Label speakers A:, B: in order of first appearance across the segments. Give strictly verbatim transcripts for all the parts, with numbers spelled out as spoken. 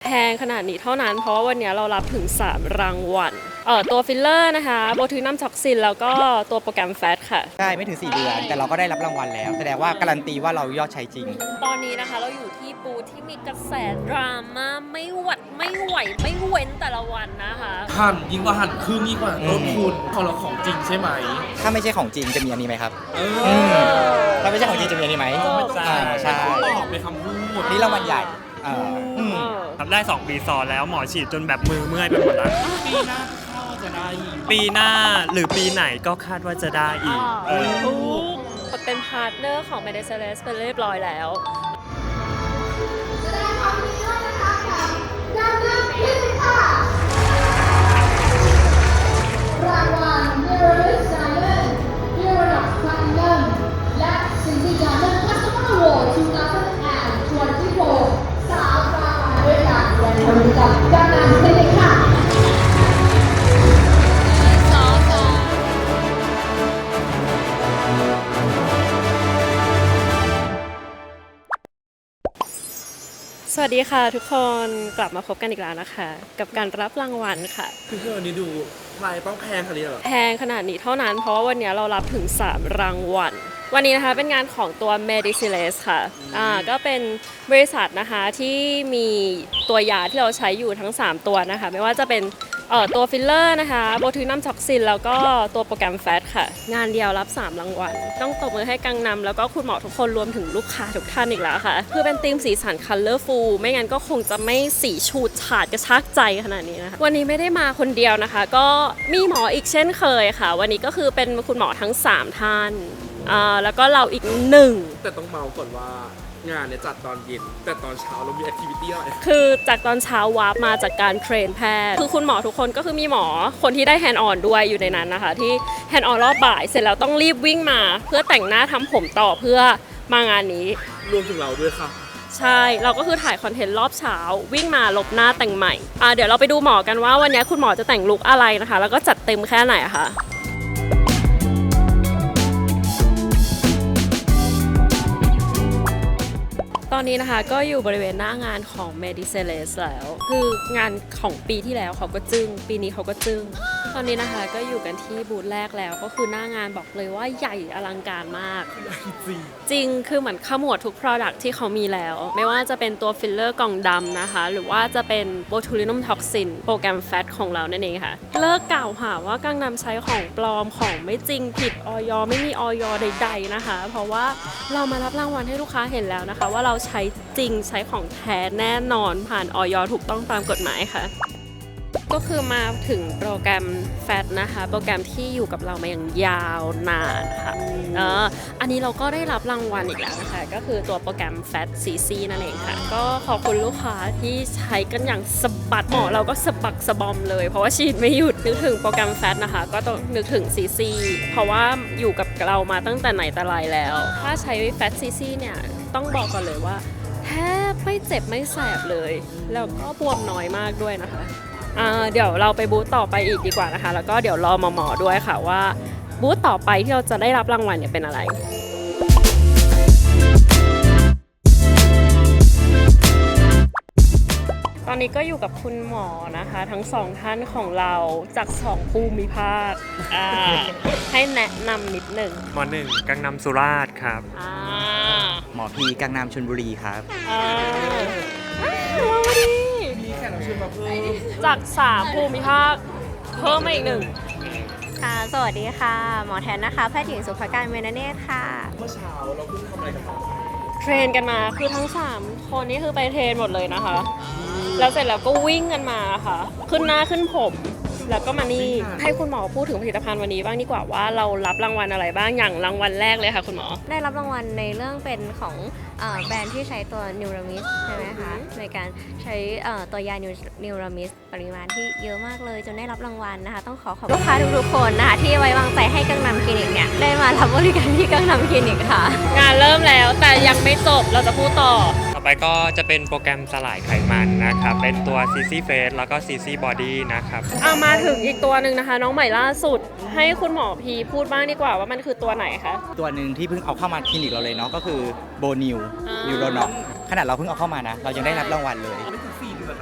A: งขนาดนี้เท่านั้นเพราะว่าวันนี้เรารับถึงสามรางวัลเอ่อตัวฟิลเลอร์นะคะโบทูนัมท็อกซินแล้วก็ตัวโปรแกรมแฟตค่ะ
B: ได้ไม่ถึงสี่เดือนแต่เราก็ได้รับรางวัลแล้วแสดงว่าการันตีว่าเรายอดใช้จริง
A: ตอนนี้นะคะเราอยู่ที่บูธที่มีกระแสดราม่าไม่หวัดไม่ไหวไม่เว้นแต่ละวันนะคะ
C: หั่นยิ่งกว่าหั่นครึ่งยิ่งกว่าต้นทุนของเราของจริงใช่ไหม
B: ถ้าไม่ใช่ของจริงจะมีอันนี้ไหมครับ
C: เออ
B: ถ้าไม่ใช่ของจริงจะมีอันนี้ไหม
C: ใช่ใช่ตอบในคำพูด
B: นี่รางวัลใหญ่
D: ทำได้สองปีซ้อนแล้วหมอฉีดจนแบบมือเมื่อยไปหมดแล้ว
C: ปีหน้าเข้าจะได้อีก
D: ปีหน้าหรือปีไหนก็คาดว่าจะได้อีก
A: เออเป็นพาร์ทเนอร์ของ Medicines เป็นเรียบร้อยแล้ว
E: รางวัล Neuronis Diamond Neuronox Platinum และ Cindy Diamond Customer Award สองพันยี่สิบหกสามรางวัลด้วยกันและบริการการงานคลินิกค่ะ
A: สวัสดีค่ะทุกคนกลับมาพบกันอีกแล้วนะคะกับการรับรางวัลค่ะ
C: คือวันนี้ดูลายต้องแพงขนาดนี้เหรอ
A: แพงขนาดนี้เท่านั้นเพราะว่าวันนี้เรารับถึงสามรางวัลวันนี้นะคะเป็นงานของตัว Medicines ค่ะอ่าก็เป็นบริษัทนะคะที่มีตัวยาที่เราใช้อยู่ทั้งสามตัวนะคะไม่ว่าจะเป็นเอ่อตัวฟิลเลอร์นะคะโบทูนัมท็อกซินแล้วก็ตัวโปรแกรมแฟตค่ะงานเดียวรับสามรางวัลต้องตบมือให้กังนำแล้วก็คุณหมอทุกคนรวมถึงลูกค้าทุกท่านอีกแล้วค่ะคือเป็นธีมสีสัน Colorful ไม่งั้นก็คงจะไม่สีฉูดฉาดกระชากใจขนาดนี้นะคะวันนี้ไม่ได้มาคนเดียวนะคะก็มีหมออีกเช่นเคยค่ะวันนี้ก็คือเป็นคุณหมอทั้งสามท่านอ่าแล้วก็เราอีกหนึ่ง
C: แต่ต้องเมาก่อนว่างานเนี่ยจัดตอนเย็นแต่ตอนเช้าเรามีแอคทิวิตี้อะไร
A: คือจากตอนเช้าวาร์ปมาจากการเทรนแพทย์คือคุณหมอทุกคนก็คือมีหมอคนที่ได้แฮนด์ออนด้วยอยู่ในนั้นนะคะที่แฮนด์ออนรอบบ่ายเสร็จแล้วต้องรีบวิ่งมาเพื่อแต่งหน้าทำผมต่อเพื่อมางานนี้
C: รวมถึงเราด้วยค่ะ
A: ใช่เราก็คือถ่ายคอนเทนต์รอบเช้าวิ่งมาลบหน้าแต่งใหม่อ่าเดี๋ยวเราไปดูหมอกันว่าวันนี้คุณหมอจะแต่งลุคอะไรนะคะแล้วก็จัดเต็มแค่ไหนค่ะตอนนี้นะคะก็อยู่บริเวณหน้างานของ Medicines แล้วคืองานของปีที่แล้วเขาก็จึ้งปีนี้เขาก็จึ้งตอนนี้นะคะก็อยู่กันที่บูธแรกแล้วก็คือหน้างานบอกเลยว่าใหญ่อลังการมากจริงคือเหมือนขมวดทุก Product ที่เขามีแล้วไม่ว่าจะเป็นตัวฟิลเลอร์กล่องดำนะคะหรือว่าจะเป็น Botulinum Toxin โปรแกรมแฟตของเรานั่นเองค่ะเลิกกล่าวหาว่ากังนำใช้ของปลอมของไม่จริงผิดอย.ไม่มีอย.ใดๆนะคะเพราะว่าเรามารับรางวัลให้ลูกค้าเห็นแล้วนะคะว่าเราใช้จริงใช้ของแท้แน่นอนผ่านอย.ถูกต้องตามกฎหมายค่ะก็คือมาถึงโปรแกรมแฟตนะคะโปรแกรมที่อยู่กับเรามาอย่างยาวนานค่ะเอออันนี้เราก็ได้รับรางวัลอีกแล้วนะคะก็คือตัวโปรแกรมแฟต ซี ซี นั่นเองค่ะก็ขอบคุณลูกค้าที่ใช้กันอย่างสะบัดหมอเราก็สะบักสะบอมเลยเพราะว่าฉีดไม่หยุดนึกถึงโปรแกรมแฟตนะคะก็ต้องนึกถึง ซี ซี เพราะว่าอยู่กับเรามาตั้งแต่ไหนแต่ไรแล้วถ้าใช้แฟต ซี ซี เนี่ยต้องบอกก่อนเลยว่าแทบไม่เจ็บไม่แสบเลยแล้วก็บวมน้อยมากด้วยนะคะเดี๋ยวเราไปบูธต่อไปอีกดีกว่านะคะแล้วก็เดี๋ยวรอหมอๆด้วยค่ะว่าบูธต่อไปที่เราจะได้รับรางวัลเนี่ยเป็นอะไรตอนนี้ก็อยู่กับคุณหมอนะคะทั้งสองท่านของเราจากสองภูมิภาคให้แนะนำนิดหนึ่ง
D: หมอหนึ่งกังนำสุราษฎร์ครับ
B: หมอพีกังนำชลบุรีครับ
C: มีแขกรับเชิญมาเพิ่ม
A: จากสามภูมิภาคเพิ่มมาอีกหนึ่ง
F: ค่ะสวัสดีค่ะหมอแทนนะคะแพทย์หญิงสุภการเมนเนตค่ะ
C: เมื่อเช้าเราเพิ่งทำอะไรกันมา
A: เทรนกันมาคือทั้งสามคนนี่คือไปเทรนหมดเลยนะคะแล้วเสร็จแล้วก็วิ่งกันมาค่ะขึ้นหน้าขึ้นผมแล้วก็มานี่ให้คุณหมอพูดถึงผลิตภัณฑ์วันนี้บ้างดีกว่าว่าเรารับรางวัลอะไรบ้างอย่างรางวัลแรกเลยค่ะคุณหมอ
F: ได้รับรางวัลในเรื่องเป็นของแบรนด์ที่ใช้ตัวนิวรามิสใช่ไหมคะในการใช้ตัวยานิวรามิสปริมาณที่เยอะมากเลยจนได้รับรางวัลนะคะต้องขอขอบคุณลูกค้าทุกๆคนนะคะที่ไว้วางใจให้กังนำคลินิกเนี่ยได้มารับบริการที่กังนำคลินิกค่ะ
A: งานเริ่มแล้วแต่ยังไม่จบเราจะพูดต่อ
D: ต่อไปก็จะเป็นโปรแกรมสลายไขมันนะครับเป็นตัว ซี ซี Face แล้วก็ ซี ซี Body นะครับ
A: เอามาถึงอีกตัวหนึ่งนะคะน้องใหม่ล่าสุดให้คุณหมอพีพูดบ้างดีกว่าว่ามันคือตัวไหนคะ
B: ตัวหนึ่งที่เพิ่งเอาเข้ามาคลินิกเราเลยเนาะก็คือโบนิวนิวโรนอกขนาดเราเพิ่งเอาเข้ามานะเรายังได้รับรางวัลเลย
C: ไม่ถึงสี่เดือน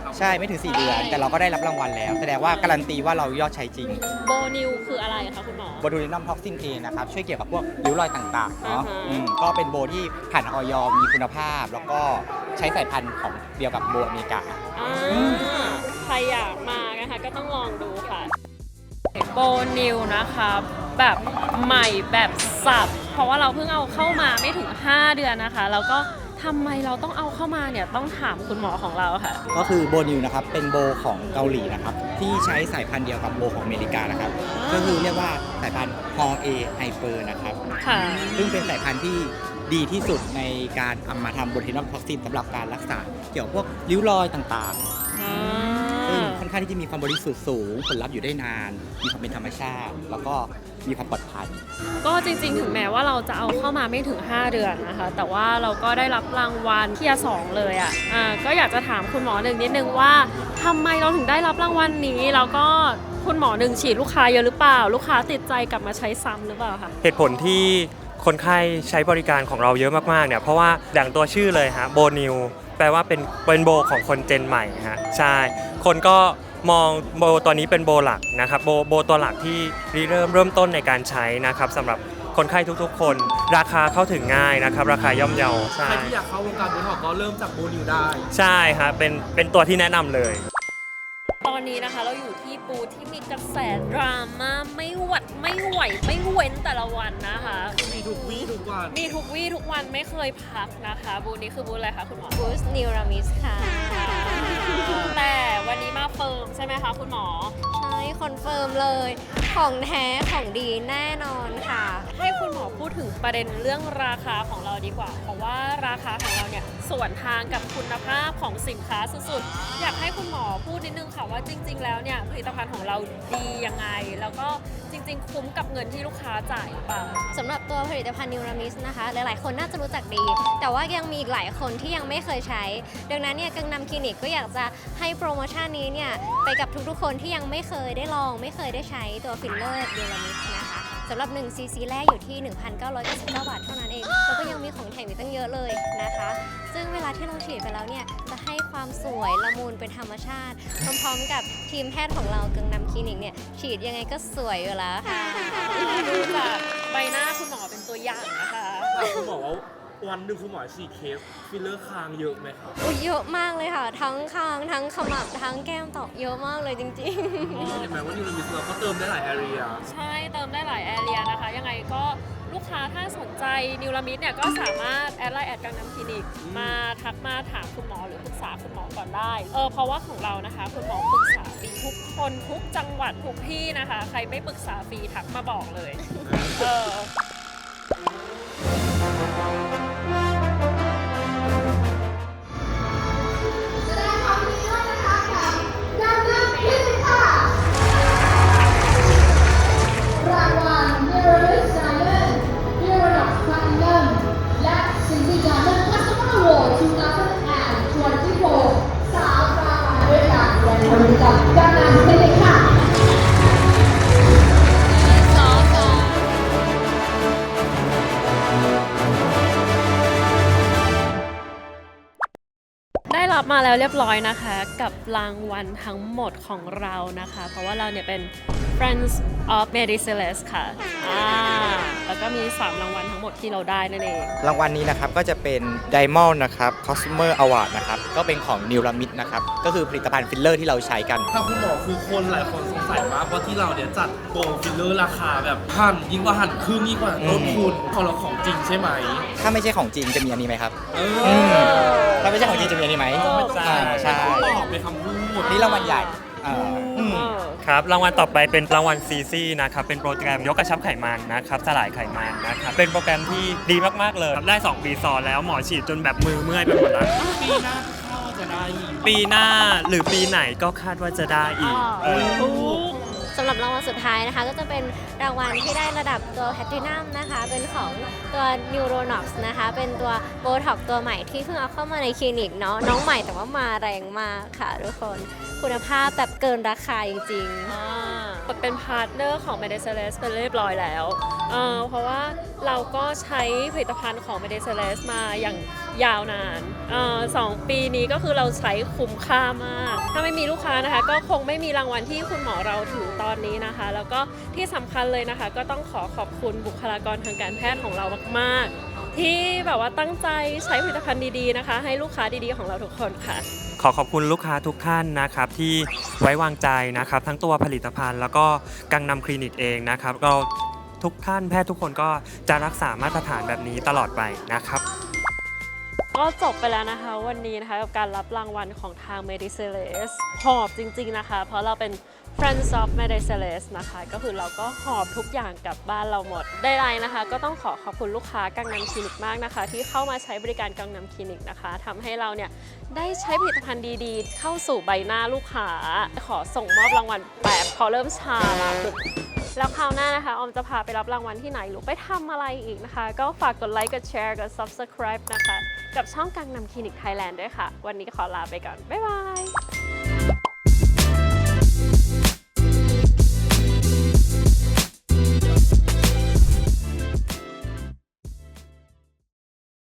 C: ครับ
B: ใช่ไม่ถึง สี่ เดือน แต่เราก็ได้รับรางวัลแล้ว แสดงว่าการันตีว่าเรายอดใช้จริง
A: โบนิวคืออะไรคะคุณหมอ
B: โบทูลินัมท็อกซินเอนะครับช่วยเกี่ยวกับพวกริ้วรอยต่างๆเนาะ
A: อ่าฮะ
B: อืมก็เป็นโบที่ผ่านออยมีคุณภาพ แล้วก็ใช้สายพันธุ์ของเดียวกับโบอเมริกา
A: อ่าใครอยากมานะคะก็ต้องลองดูค่ะโบนิวนะคะแบบใหม่แบบสับ เพราะว่าเราเพิ่งเอาเข้ามาไม่ถึง ห้า เดือนนะคะแล้วก็ทำไมเราต้องเอาเข้ามาเนี่ยต้องถามคุณหมอของเราค่ะ
B: ก็คือโบนิวนะครับเป็นโบของเกาหลีนะครับที่ใช้สายพันธุ์เดียวกับโบของอเมริกานะครับ
A: อ่า
B: ก็คือเรียกว่าสายพันธุ์ฮอเอไฮเปอร์นะครับ
A: ค่ะ
B: ซึ่งเป็นสายพันธุ์ที่ดีที่สุดในการเอามาทำโบทูลินัมท็อกซินสำหรับการรักษาเกี่ยวกับพวกริ้วรอยต่างๆ
A: อ่า
B: ซึ่งค่อนข้างที่จะมีความบริสุทธิ์สูงผลลัพธ์อยู่ได้นาน มีความเป็นธรรมชาติ แล้วก็มีความปลอดภัย
A: ก็จริงๆ ถึงแม้ว่าเราจะเอาเข้ามาไม่ถึง ห้า เดือนนะคะ แต่ว่าเราก็ได้รับรางวัลเทียร์สองเลยอ่ะอ่าก็อยากจะถามคุณหมอหนึ่งนิดนึงว่าทำไมเราถึงได้รับรางวัลนี้ แล้วก็คุณหมอหนึ่งฉีดลูกค้าเยอะหรือเปล่า ลูกค้าติดใจกลับมาใช้ซ้ำหรือเปล่าคะ
D: เหตุผลที่คนไข้ใช้บริการของเราเยอะมากๆเนี่ยเพราะว่าอย่างตัวชื่อเลยฮะโบนิวแปลว่าเป็นเป็นโบของคนเจนใหม่ฮะใช่คนก็มองโบตัวนี้เป็นโบหลักนะครับโบโบตัวหลักที่ริเริ่มเริ่มต้นในการใช้นะครับสำหรับคนไข้ทุกๆ คน ราคาเข้าถึงง่ายนะครับราคาย่อมเยาใช่
C: ใครที่อยากเข้าวงการโบท็อกซ์ก็เริ่มจากโบนิวได้
D: ใช่ฮะเป็นเป็นตัวที่แนะนำเลย
A: ตอนนี้นะคะเราอยู่ที่บูธที่มีกระแสดราม่าไม่หวัดไม่ไหวไม่เว้นแต่ละวันนะคะ
C: มีทุกวี่ทุกวัน
A: มีทุกวี่ทุกวันไม่เคยพักนะคะ บูธนี้คือบูธอะไรคะคุณหมอ
F: บูสนิวรามิสค่ะ
A: แต่วันนี้มาเฟิร์มใช่ไหมคะคุณหมอ
F: ใช่คอนเฟิร์มเลย ของแท้ของดีแน่นอนค่ะ
A: ให้คุณหมอพูดถึงประเด็นเรื่องราคาของเราดีกว่า เพราะว่าราคาของเราเนี่ยสวนทางกับคุณภาพของสินค้าสุดๆ อยากให้คุณหมอพูดนิดนึงค่ะว่าจริง ๆ แล้วเนี่ยผลิตภัณฑ์ของเราดียังไง แล้วก็จริง ๆ คุ้มกับเงินที่ลูกค้าจ่ายหรือเปล่า
F: สำหรับตัวผลิตภัณฑ์นิวรามิสนะคะ หลายๆ คนน่าจะรู้จักดี แต่ว่ายังมีอีกหลายคนที่ยังไม่เคยใช้ ดังนั้นเนี่ยกังนำคลินิกก็อยากจะให้โปรโมชั่นนี้เนี่ยไปกับทุกๆ คนที่ยังไม่เคยได้ลอง ไม่เคยได้ใช้ตัวฟิลเลอร์นิวรามิสนะคะสำหรับหนึ่งซีซีแรกอยู่ที่ หนึ่งพันเก้าร้อยเก้าสิบเก้า บาทเท่านั้นเอง แล้วก็ยังมีของแถมอีกตั้งเยอะเลยนะคะ ซึ่งเวลาที่เราฉีดไปแล้วเนี่ยจะให้ความสวยละมุนเป็นธรรมชาติ พร้อมๆ กับทีมแพทย์ของเรากังนำคลินิกเนี่ยฉีดยังไงก็สวยอยู่แล้วค่ะ
A: ดูจากใบหน้าคุณหมอเป็นตัวอย่างนะคะ
C: ถามคุณหมอว่าวันหนึ่งคุณหมอฉีดเคสฟิลเลอร์คางเยอะไหมครับ
F: โอ้ยเยอะมากเลยค่ะ ทั้งคางทั้งขมับทั้งแก้มตอกเยอะมากเลยจริงๆ
C: เห็นไหมว่านิวรามิสเราก็เติมได้หลายแอเรีย
A: ใช่เติมได้หลายแอเรียนะคะ ยังไงก็ลูกค้าถ้าสนใจนิวรามิดเนี่ยก็สามารถแอดไลน์แอดกังนำคลินิก มาทักมาถามคุณหมอหรือปรึกษาคุณหมอก่อนได้เออเพราะว่าของเรานะคะ คุณหมอปรึกษาฟรีทุกคนทุกจังหวัดทุกที่นะคะ ใครไม่ปรึกษาฟรีทักมาบอกเลยเออ
E: แสดงความยินดีด้วยนะคะกับกังนำคลินิกค่ะรางวัล Mirrorless Diamond Mirrorless Platinum และ ซี ซี Diamond Customer Award สองพันยี่สิบหกสาวรางวัลด้วยกันและวันนี้กับกังนำคลินิกค่ะ
A: ได้รับมาแล้วเรียบร้อยนะคะ กับรางวัลทั้งหมดของเรานะคะ เพราะว่าเราเนี่ยเป็น Friends of Medicelles ค่ะอ่าแล้วก็มี สาม รางวัลทั้งหมดที่เราได้นั่นเอง
B: รางวัลนี้นะครับก็จะเป็น Diamond นะครับ Customer Award นะครับก็เป็นของนิวรามิดนะครับก็คือผลิตภัณฑ์ฟิลเลอร์ที่เราใช้กัน
C: ถ้าคุณหมอคือคนหลายคนสงสัยมากว่าที่เราเนี่ยจัดโปรฟิลเลอร์ราคาแบบหั่นยิ่งกว่าหั่นครึ่งยิ่งกว่าต้นทุนของเราของจริงใช่ไหม
B: ถ้าไม่ใช่ของจริงจะมีอันนี้ไหมครับ
C: เอ
B: อืม
C: อ
B: ถ้าไม่ใช่ของจริงจะมีอันนี้ไหม
C: ใช่
B: อ่าใช่
C: ตอบเป็นคำพูด
B: นี่รางวัลใหญ่อ่าอืม
D: ครับรางวัลต่อไปเป็นรางวัลซีซีนะครับเป็นโปรแกรมยกกระชับไขมันนะครับสลายไขมันนะครับเป็นโปรแกรมที่ดีมากๆเลยได้สองปีซ้อนแล้วหมอฉีดจนแบบมือเมื่อยไปหมดแล้ว
C: ปีหน้าเข้าจะได้อีก
D: ปีหน้าหรือปีไหนก็คาดว่าจะได้อีกเออ
F: สำหรับรางวัลสุดท้ายนะคะ ก็จะเป็นรางวัลที่ได้ระดับตัวแพลตินัมนะคะ เป็นของตัว Neuronox นะคะ เป็นตัวโบท็อกตัวใหม่ที่เพิ่งเอาเข้ามาในคลินิกเนาะน้องใหม่แต่ว่ามาแรงมากค่ะทุกคนคุณภาพแบบเกินราคาจริงๆ
A: อ่าเป็นพาร์ทเนอร์ของ Medicelles เป็นเรียบร้อยแล้วเออเพราะว่าเราก็ใช้ผลิตภัณฑ์ของ m e d i c e l e s มาอย่างยาวนานเออสองปีนี้ก็คือเราใช้คุ้มค่ามาก ถ้าไม่มีลูกค้านะคะก็คงไม่มีรางวัลที่คุณหมอเราถือตอนนี้นะคะ แล้วก็ที่สำคัญเลยนะคะ ก็ต้องขอขอบคุณบุคลากรทางการแพทย์ของเรามากๆ ที่แบบว่าตั้งใจใช้ผลิตภัณฑ์ดีๆนะคะ ให้ลูกค้าดีๆของเราทุกคนค่ะ
D: ขอขอบคุณลูกค้าทุกท่านนะครับที่ไว้วางใจนะครับทั้งตัวผลิตภัณฑ์แล้วก็กังนำคลินิกเองนะครับเราทุกท่านแพทย์ทุกคนก็จะรักษามาตรฐานแบบนี้ตลอดไปนะครับ
A: ก็จบไปแล้วนะคะวันนี้นะคะกับการรับรางวัลของทาง m e d i c e l e s หอบจริงๆนะคะ เพราะเราเป็น Friends of m e d i c e l e s นะคะก็คือเราก็หอบทุกอย่างกลับบ้านเราหมดได้ไรนะคะก็ต้องขอขอบคุณลูกค้ากังนำคลินิกมากนะคะที่เข้ามาใช้บริการกังนำคลินิกนะคะทำให้เราเนี่ยได้ใช้ผลิตภัณฑ์ดีๆ เข้าสู่ใบหน้าลูกค้าขอส่งมอบรางวัลแบบพอเริ่มชาละแล้วคราวหน้านะคะออมจะพาไปรับรางวัลที่ไหนหรือไปทำอะไรอีกนะคะก็ฝากกดไลค์กดแชร์กด ซับสไครบ์ นะคะกับช่องกังนำคลินิกไทยแลนด์ด้วยค่ะวันนี้ก็ขอลาไปก่อนบ๊ายบาย